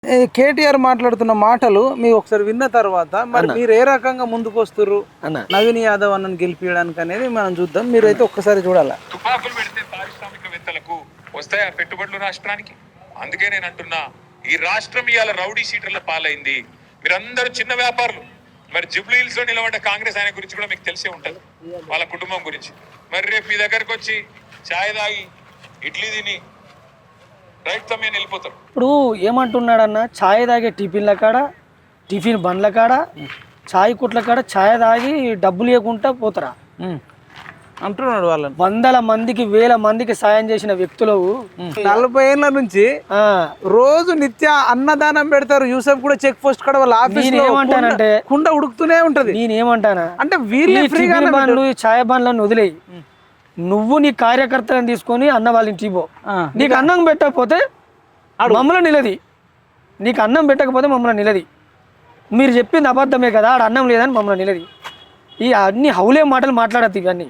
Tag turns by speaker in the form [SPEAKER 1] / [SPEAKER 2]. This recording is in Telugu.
[SPEAKER 1] కేటీఆర్ మాట్లాడుతున్న మాటలు మీరు ఒకసారి విన్న తర్వాత మరి మీరు ఏ రకంగా ముందుకు వస్తుర్రు నవీన్ యాదవ్ అన్నను గెలిపించడానికి అనేది మనం చూద్దాం. మీరైతే ఒక్కసారి చూడాలి.
[SPEAKER 2] తుపాకులు పెడితే పారిశ్రామికవేత్తలకు వస్తాయా పెట్టుబడులు రాష్ట్రానికి? అందుకే నేను అంటున్నా, ఈ రాష్ట్రం ఇవాళ రౌడీ షీటర్ల పాలైంది. మీరందరూ చిన్న వ్యాపారులు. మరి జూబ్లీ హిల్స్ లో నిలబడ్డ కాంగ్రెస్ ఆయన గురించి కూడా మీకు తెలిసే ఉంటది, వాళ్ళ కుటుంబం గురించి. మరి రేపు మీ దగ్గరకు వచ్చి ఛాయ్ తాగి ఇడ్లీ తిని రైట్ సమయం వెళ్ళిపోతారు.
[SPEAKER 3] ఇప్పుడు ఏమంటున్నాడన్న, ఛాయ్ తాగే టిఫిన్ల కాడ, టిఫిన్ బండ్ల కాడ, ఛాయ్ కుట్ల కాడ ఛాయ్ తాగి డబ్బులు ఇవ్వకుండా పోతారా
[SPEAKER 1] అంటున్నాడు. వాళ్ళని
[SPEAKER 3] వందల మందికి వేల మందికి సాయం చేసిన వ్యక్తులు
[SPEAKER 1] 40 ఏళ్ల నుంచి రోజు నిత్య అన్నదానం పెడతారు. యూసఫ్ కూడా చెక్ పోస్ట్ కాడ వాళ్ళ ఆఫీస్
[SPEAKER 3] ఏమంటానంటే
[SPEAKER 1] కుండ ఉడుకుతూనే ఉంటది.
[SPEAKER 3] నేనేమంటానా
[SPEAKER 1] అంటే వీళ్ళు
[SPEAKER 3] బండ్లు ఛాయ్ బండ్లను వదిలేయి, నువ్వు నీ కార్యకర్తలను తీసుకొని అన్న వాళ్ళ ఇంటికి పో. నీకు అన్నం పెట్టకపోతే మమ్మల్ని నిలది, నీకు అన్నం పెట్టకపోతే మమ్మల్ని నిలది. మీరు చెప్పింది అబద్ధమే కదా, ఆడ అన్నం లేదని మమ్మల్ని నిలది. ఈ అన్ని హౌలే మాటలు మాట్లాడద్దు ఇవన్నీ.